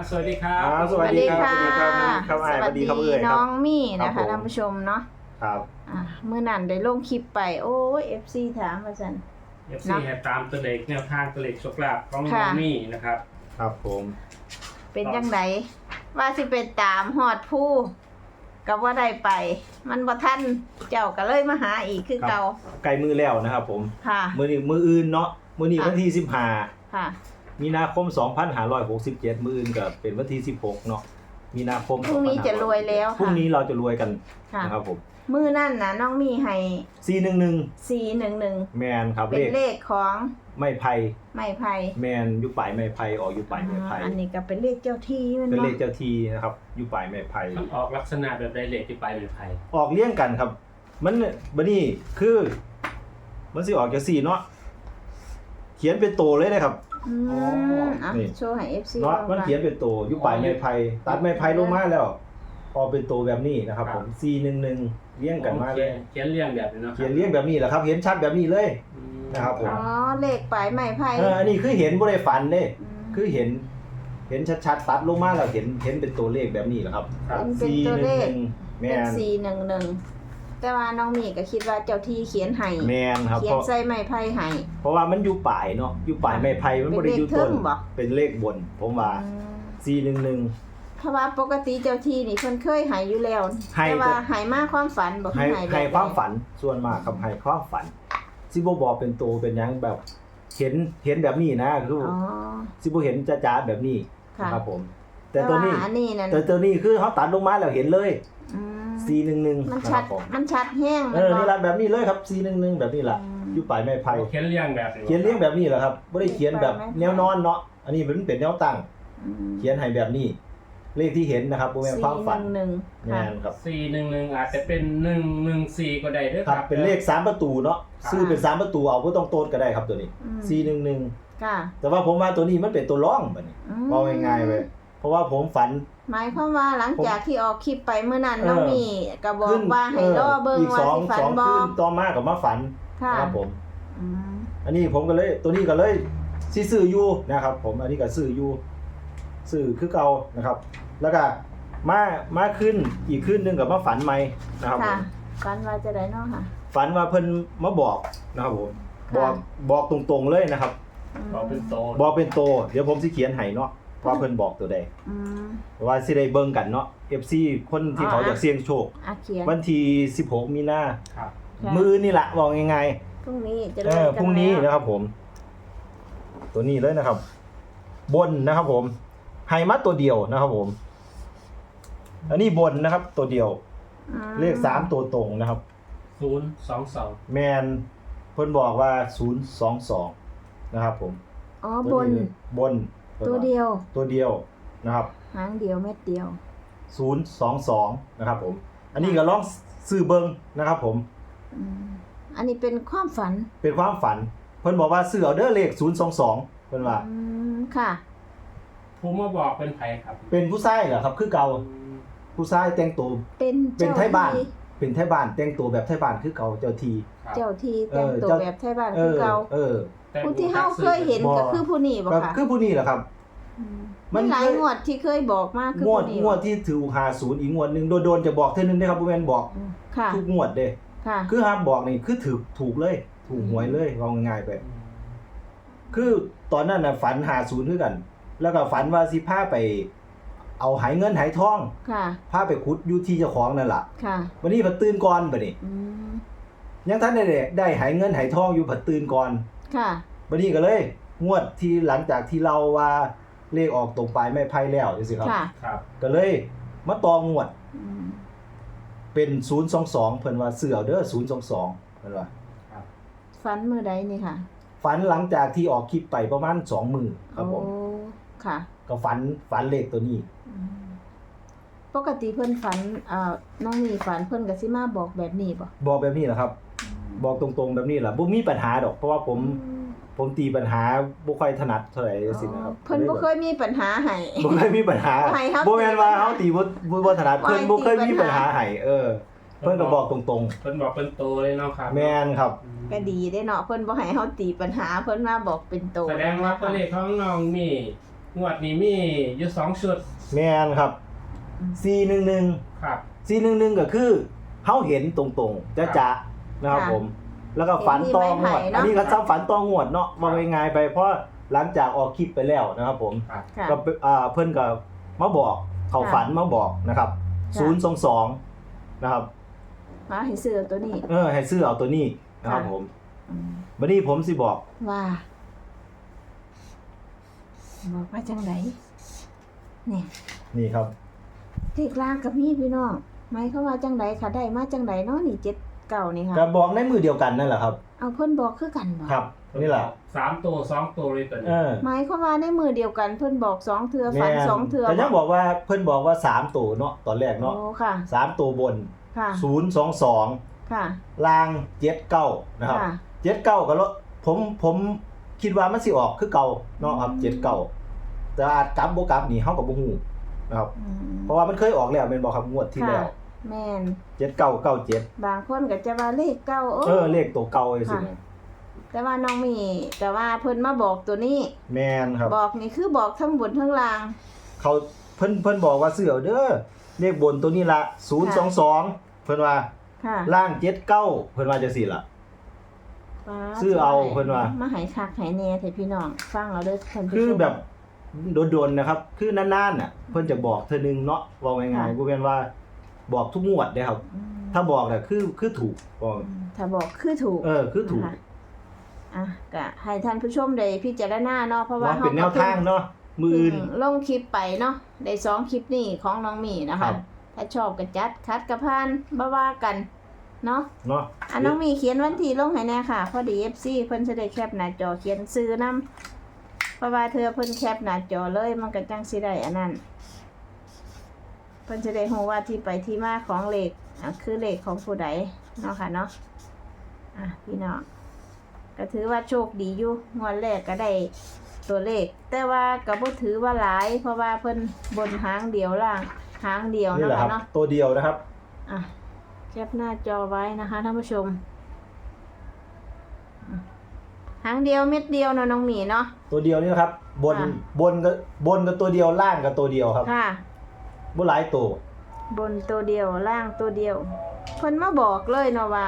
สวัสดีครับสวัสดีค่ะครับสวัสดีครับเอ่ยน้องมี่นะครัคะบผมท่านผู้ชมเนาะครับเมื่อนั้นได้ลงคลิปไปโอ้ย FC ถามมาสัน FC ให้ตามตัวเลขแนวทางตัวเลขโชคลาภของน้ค่ะองมี่นะครับครับผมเป็นจังไดว่าสิเป็นตามหอดผู้กับว่าได้ไป มันบ่ทันเจ้าก็เลยมาหาอีกคือเก่าใกล้มือแล้วนะครับผมค่ะมืออื่นเนาะมือนี้ค่ะวันที่ค่ะ 15มีนาคม 2567มืออื่นก็เป็นวันที่16เนาะมีนาคมพรุ่งนี้จะรวยแล้วพรุ่งค่ะนี้เราจะรวยกันค่ะนะครับผมมื้อนั่นนะน้องมี่ให้ 411 411 แมนครับเป็นเลขของไม้ไผ่ไม้ไผ่แมนยุปลายไม้ไผ่ออกยุปลายไม้ไผ่อันนี้ก็เป็นเลขเจ้าที่มันเป็นเลขเนาะเจ้าทีนะครับยุปลายไม้ไผ่มันออกลักษณะแบบไดเลขที่ไปเป็นไทยออกเลี้ยงกันครับ มันบัดนี้คือมันสิออกจาก4เนาะเขียนเป็นโตเลยนะครับ นี่โชว์ให้ FC เนาะดูมันก่อเขียนเป็นโตอยู่ปลายไม้ไผ่ตัดไม้ไผ่ลงมาแล้วออกเป็นโตแบบนี้นะครับผม411เลี้ยงกันมาเลยเขียนเรียงแบบนี้เนาะเขียนเลี้ยงแบบนี้แหละครับ เห็นชัดแบบนี้เลย นะครับผมอ๋อเลขปลายไม้ไผ่อันนี้คือเห็นบ่ได้ฝันเด้มคือเห็นชัดๆตัดลงมาแล้วเห็นเป็นตัวเลขแบบนี้แหละครับครับเป็นตัวเลข 411แม่เป็นน 411แต่ว่าน้องมีก็คิดว่าเจ้าที่เขียนให้แม่นครับเขียนใส่ไม้ไผ่ให้เพราะว่ามันอยู่ปลายเนาะอยู่ปลายไม้ไผ่มันบ่ได้อยู่ต้นเป็นเลขเทิงบ่เป็นเลขบน ผมว่าอืม 411 เพราะว่าปกติเจ้าที่นี่เพิ่นเคยให้อยู่แล้วให้แต่ว่าให้มาความฝันบ่ให้ให้แบบให้ความฝันส่วนมากครับให้ความฝันสิบ่บอกเป็นตัวเป็นหยังแบบเห็นแบบนี้นะคืออ๋อสิบ่เห็นจ้าๆแบบนี้ค่ะนะครับผม แต่ตัวนี้อันนี้นั่นแต่ตัวนี้คือเขาตัดลงมาแล้วเห็นเลยอืม 411 มันนะคชัรัดบผมมันชัดแห้งนี่ล่ะแบบนี้เลยครับ411แบบนี้ล่ะอยู่ปลายไม้ไผ่เขียนเรียงแบบนี้เขียนเรียงแบบนี้แหละครับบ่ได้เขียนแบบแนวนอนเนาะอันนี้มันเป็นแนวตั้งอืมเขียนให้แบบนี้ เลขที่เห็นนะครับบ่แม่นความฝัน 411 แม่นครับ 411อาจจะเป็น114ก็ได้ด้วยคครัรับบ เป็นเลข3ประตูเนาะครับซื้อเป็น3ประตูเอาบ่ต้องโต้นก็ได้ครับตัวนี้อืม 411 ค่ะแต่ว่าผมว่าตัวนี้มันเป็นตัวร่องบัดนี้อืมเอาง่ายๆไปเพราะว่าผมฝันหมายความว่าหลังจากที่ออกคลิปไปเมื่อนั้นน้องมีก็บอขึ้กนว่าให้รอเบิ่งอีกว่าสองสิฝันสองบ่คืนต่อมาก็มาฝันค่ะนะครับผมอืมอันนี้ผมก็เลยตัวนี้ก็เลยสิซื้ออยู่นะครับผมอันนี้ก็ซื้ออยู่ซื้อคือเก่านะครับ แล้วก็มาขึ้นอีกขึ้นหนึงกับมาฝันใหม่นะครับผค่ะมฝันว่าจะได้เนาะค่ะฝันว่าเพิ่นมาบอกนะครับผมค่ะบอกตรงๆเลยนะครับบอกเป็นโตบอกเป็นโตเดี๋ยวผมสิเขียนให้เนาะว่าเพิ่นบอกตัวใดอืมว่าสิได้เบิ่งกันเนาะ FC คนที่เขาอยากเสี่ยงโชคเขียนวันที่16มีนาครับค่ะมื้อนี่ล่ะบอกง่ายพรุ่งนี้จะๆเริ่มกันพรุ่งนี้แล้วนะครับผม ตัวนี้เลยนะครับ บนนะครับผมให้มาตัวเดียวนะครับผม อันนี้บนนะครับ ตัวเดียวอืมเลข3ตัวตรงนะครับ 022 แมนเพิ่นบอกว่า022นะครับผมอ๋อบนบนตัวเดียวตัวเดียวนะครับหางเดียวเม็ดเดียว 022นะครับผม อันนี้ก็ลองซื้อเบิ่งนะครับผมอืมอันนี้เป็นความฝันเป็นความฝัน เพิ่นบอกว่าซื้อเอาเด้อเลข022เพิ่นว่าอืมค่ะผู้มาบอกเป็นไผครับเป็นผู้ชายเหรอครับคือเก่าผู้ชายแต่งตัวเป็นเป็นไทยบ้านที่เป็นไทยบ้านแต่งตัวแบบไทยบ้านคือเก่าเจ้าทีครับเจ้าที่แต่งตัวเจ้าแบบไทยบ้านคือเก่าแต่ผู้ที่เฮาเคยเห็นก็คือผู้นี้บ่ก็ค่ะคือผู้นี้แหละครับ มัมัน นหลายงวดที่เคยบอกมาคืองวดผู้นี้งวดที่ถือ50อีกงวดหนึงโดนๆจะบอกเทื่อนึงได้ครับบ่แม่นบอกอืมค่ะทุกงวดเด้ค่ะคือห้ามบอกนี่คือถูกเลย ถูกหวยเลยเอาง่ายๆไป คือตอนนั้นน่ะฝัน50คือกัน แล้วก็ฝันว่าสิพาไป เอาหายเงินหายทองค่ะพาไปขุดอยู่ที่เจ้าของนั่นล่ะค่ะวันนี้ผัดตื่นก่อนบัดนี้อืมยังทันได้หายเงินหายทองอยู่ผัดตื่นก่อนค่ะบัดนี้ก็เลย งวดที่หลังจากที่เราว่าเลขออกตรงปลายไม้ไผ่แล้วจังซี่ครับค่ะครับก็เลยมาตองวดอืมเป็น022เพิ่นว่าซื้อเอาเด้อ022เพิ่นว่าฝันมื้อใดนี่ค่ะฝันหลังจากที่ออกคลิปไปประมาณ2มื้อครับผมโอ้ค่ะก็ฝันเลขตัวนี้อืมปกติเพิ่นฝันน้องนี่ฝันเพิ่นก็สิมาบอกแบบนี้บ่บอกแบบนี้แหละครับ บอกตรงๆแบบนี้แหละบ่มีปัญหาดอก เพราะว่าผมตีปัญหาบ่ค่อยถนัดเท่าไหร่จังซี่นะครับเพิ่นบ่เคยมีปัญหาให้บ่เคยมีปัญหาให้ครับบ่แม่นว่าเฮาตีบ่ถนัดเพิ่นบ่เคยมีปัญหาให้เพิ่นก็บอกตรงเพิ่นบอกเป็นโตเลยเนาะครับๆแม่นครับก็ดีได้เนาะเพิ่นบ่ให้เฮาตีปัญหาเพิ่นมาบอกเป็นโตแสดงว่าตัวเลขของน้องมีงวดนี้มีอยู่2ชุดแม่นครับ411 ครับ 411ก็คือเฮาเห็นตรงๆจะนะครับผม แล้วก็ฝันตองวด อันนี้ก็ซ้ำฝันตองวดเนาะว่าง่ายๆไปเพราะหลังจากออกคลิปไปแล้วนะครับผมครับค่ะก็เพิ่นก็มาบอกเขาฝันมาบอกนะครับค่ะ 022นะครับมาให้ซื้อตัวนี้ให้ซื้อเอาตัวนี้นะครับค่ะผมอืมวันนี้ผมสิบอกว่าบอกว่าจังไดเนี่ยนี่ครับเลขล่างกับมีพี่น้องหมายเขามว่าจังไดค่ะได้มาจังไดเนาะนี่79นี่ค่ะก็บอกในมือเดียวกันนั่นแหละครับเอาเพิ่นบอกคือกันบ่ครับนี่แหละ 3ตัว2ตัวเลยตัวนี้หมายเขามว่าในมือเดียวกันเพิ่นบอก2เทื่อฝัน2เทื่อแต่ยังบอกว่าเพิ่นบอกว่า3ตัวเนาะตอนแรกเนาะโอ้ค่ะ 3ตัวบนค่ะ 022 ค่ะล่าง79นะครับค่ะ 79ก็ลดผมคิดว่ามันสิออกคือเก่าเนาะครับ79แต่อาจกลับบ่กลับนี่เฮาก็บ่ฮู้นะครับอืมเพราะว่ามันเคยออกแล้วแม่นบ่ครับงวดที่แล้วค่ะแม่น 7997 บางคนก็จะว่าเลขเก้าเลขตัวเก่าจังซี่นะแต่ว่าน้องมีแต่ว่าเพิ่นมาบอกตัวนี้แม่นครับบอกนี่คือบอกทั้งบนทั้งล่างเขาเพิ่นบอกว่าซื้อเอาเด้อเลขบนตัวนี้ละ022เพิ่นว่าค่ะล่าง79เพิ่นว่าจังซี่ล่ะป๊าซื้อเอาเพิ่นว่ามาให้คักให้แน่เถอะพี่น้องฟังเอาเด้อท่านผู้ชมคือแบบโดนๆนะครับ คือนานๆน่ะเพิ่นจะบอกเทื่อนึงเนาะว่าง่ายๆบ่แม่นว่าบอกทุกงวดเด้ครับอืมถ้าบอกน่ะคือถูกบอกถ้าบอกคือถูกคือถูกนะคะอ่ะก็ให้ท่านผู้ชมได้พิจารณาเนาะเพราะว่าว่าเป็นแนวทางเนาะมือเพิ่อื่นงลงคลิปไปเนาะได้2คลิปนี่ของน้องหมีนะครัคะบถ้าชอบก็จัดคัดก็ผ่านบ่ว่ากันเนาะเนาะน้องหมีเขียนวันที่ลงให้แน่ค่ะพอดี FC เพิ่นจะได้แคปหน้าจอเขียนซื้อนํเพราะว่าเธอเพิ่นแคปหน้าจอเลยมันก็จังสิได้อันนั้นเพิ่นจะได้รู้ว่าที่ไปที่มาของเลขคือเลขของผู้ใดเนาะค่ะเนาะพี่น้องก็ถือว่าโชคดีอยู่งวดแรกก็ได้ตัวเลข แต่ว่าก็บ่ถือว่าหลาย เพราะว่าเพิ่นบนหางเดียวล่างหางเดียวนี่เนาะแหละครัค่ะบเนาะตัวเดียวนะครับแคปหน้าจอไว้นะคะท่านผู้ชมหางเดียวเม็ดเดียวเนาะน้องหมีเนาะตัวเดียวนี่นะครับ บนค่ะบนกับตัวเดียวล่างกับตัวเดียวครับค่ะบ่หลายตัวบนตัวเดียวล่างตัวเดียวเพิ่นมาบอกเลยเนาะว่า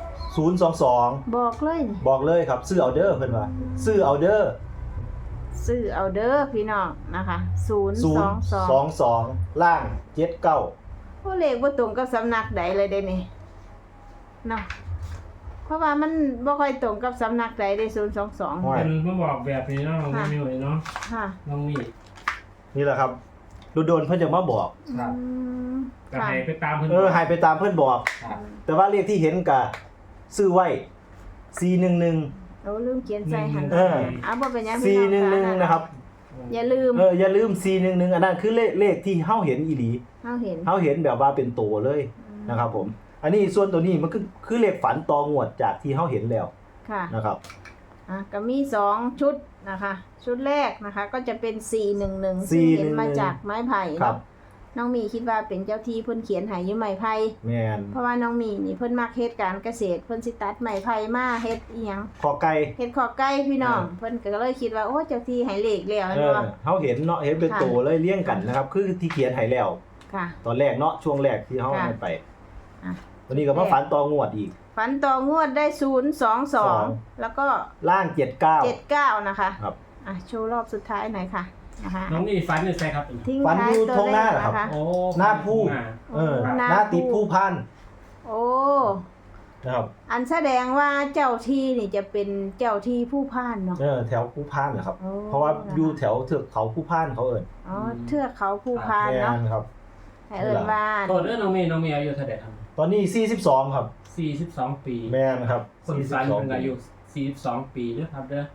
022 บอกเลยนี่บอกเลยครับซื้อเอาเด้อเพิ่นว่าซื้อเอาเด้อซื้อเอาเด้อพี่น้องนะคะ022 022ล่าง79 ผู้เลขบ่ตรงกับสำนักใดเลยเด้นี่เนาะเพราะว่ามันบ่ค่อยตรงกับสำนักใดเด้022 ห้อยเป็นมาบอกแบบนี้เนาะน้องมิวเนาะค่ะน้องมีนี่แหละครับโดนๆเพิ่นจะมาบอกครับอืมก็ค่ะให้ไปตามเพิ่นให้ไปตามเพิ่นบอกครับแต่ว่าเลขที่เห็นก็ซื้อไว้411 โอ้ลืมเขียนใส่หัน บ่เป็นหยังพี่น้อง 411นะครับอย่าลืมอย่าลืม411อันนั้นคือเลขที่เฮาเห็นอีหลีเฮาเห็นเฮาเห็นแบบว่าเป็นตัวเลยนะครับผม อันนี้ส่วนตัวนี้มันคือเลขฝันตองวดจากที่เฮาเห็นแล้วค่ะนะครับก็มี2ชุดนะคะ ชุดแรกนะคะ ก็จะเป็น411ซึ่งเห็นมาจากไม้ไผ่ครับเนาะน้องมีคิดว่าเป็นเจ้าที่เพิ่นเขียนให้อยู่ไม้ไผ่แม่นเพราะว่าน้องมีนี่เพิ่นมักเฮ็ดการเกษตรเพิ่นสิตัดไม้ไผ่มาเฮ็ดอีหยังขอไก่เฮ็ดขอไก่พี่น้องเออเพิ่นก็เลยคิดว่าโอ้เจ้าที่ให้เลขแล้วเอเนาะเฮาเห็นเนาะเห็นเป็นตัวเลยเลี้ยงกันนะครับ คือที่เขียนให้แล้วค่ะตอนแรกเนาะช่วงแรกที่เฮาค่ะให้ไปอ่ะวันนี้ก็มาฝันตองวดอีกฝันต่องวดได้022แล้วก็ล่าง79 79นะคะครับโชว์รอบสุดท้ายหน่อยค่ะนะคะน้องมีฟันอยู่ใส่ครับทิ้งฝันท้าอย ยู่ตัวตรงหเลน้าขเหรอครับนะคะโอ้หน้าผู้หน้าหน้าติดผู้พันโอ้นะครับอันแสดงว่าเจ้าที่นี่จะเป็นเจ้าที่ผู้พ่านเนาะแถวผู้พันนะครับโอ้เพราะว่าอยู่แถวเทือกเขาผู้พันเขาเอิ้นอ๋อเทือกเขาผู้พ่านแม่เนาะนครับให้เอิ้นว่าโทษเด้อน้องมีอายุเท่าไหร่ครับตอนนี้42ครับ 42 ปีแม่นครับคนฟัน 42 เป็นอายุ42 ปีเด้อครับเด้อ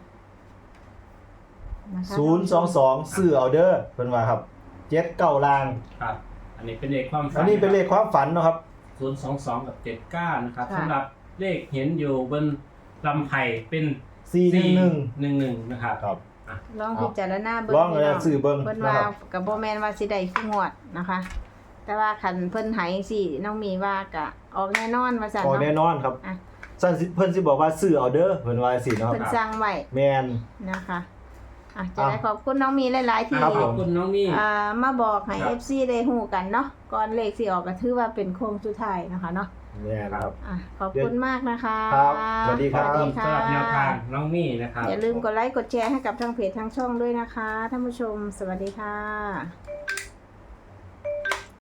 นะคะ 022ซื้อเอาเด้อเพิ่นว่าครับ79ล่างครับ อันนี้เป็นเลขความฝันอันนี้เป็นเลขความฝันเนาะครับ 022กับ79นะครับสำหรับเลขเห็นอยู่บนลำไผ่เป็น 411 11นะครับครับลองพิจารณาเบิ่งลองพี่น้องซื้อเบิ่งเพิ่นนะว่าครับก็บ่แม่นว่าสิได้ทุกงวดนะคะ แต่ว่าคันเพิ่นให้สิน้องมีว่าก็ออกแน่นอนว่าซั่นออกแน่เนาะนอนครับอ่ะซั่นสิเพิ่นสิบอกว่าซื้อเอาเด้อเพิ่นว่าสิเนาะเพิ่นสั่งไว้แม่นนะคะจะได้ขอบคุณน้องมีหลายๆที่ครับขผอบมคุณน้องมี่มาบอกให้ครับ FC ได้ฮู้กันเนาะก่อนเลขสิออกก็ถือว่าเป็นโค้งสุดท้ายนะคะเนาะเนี่ยนะครับขอบคุณมากนะคะครับสวัสดีขคอรับบ คุณสำหรับแนวทางน้องมี่นะครับอย่าลืมกดไลค์กดแชร์ให้กับทางเพจทางช่องด้วยนะคะท่านผู้ชมสวัสดีค่ะ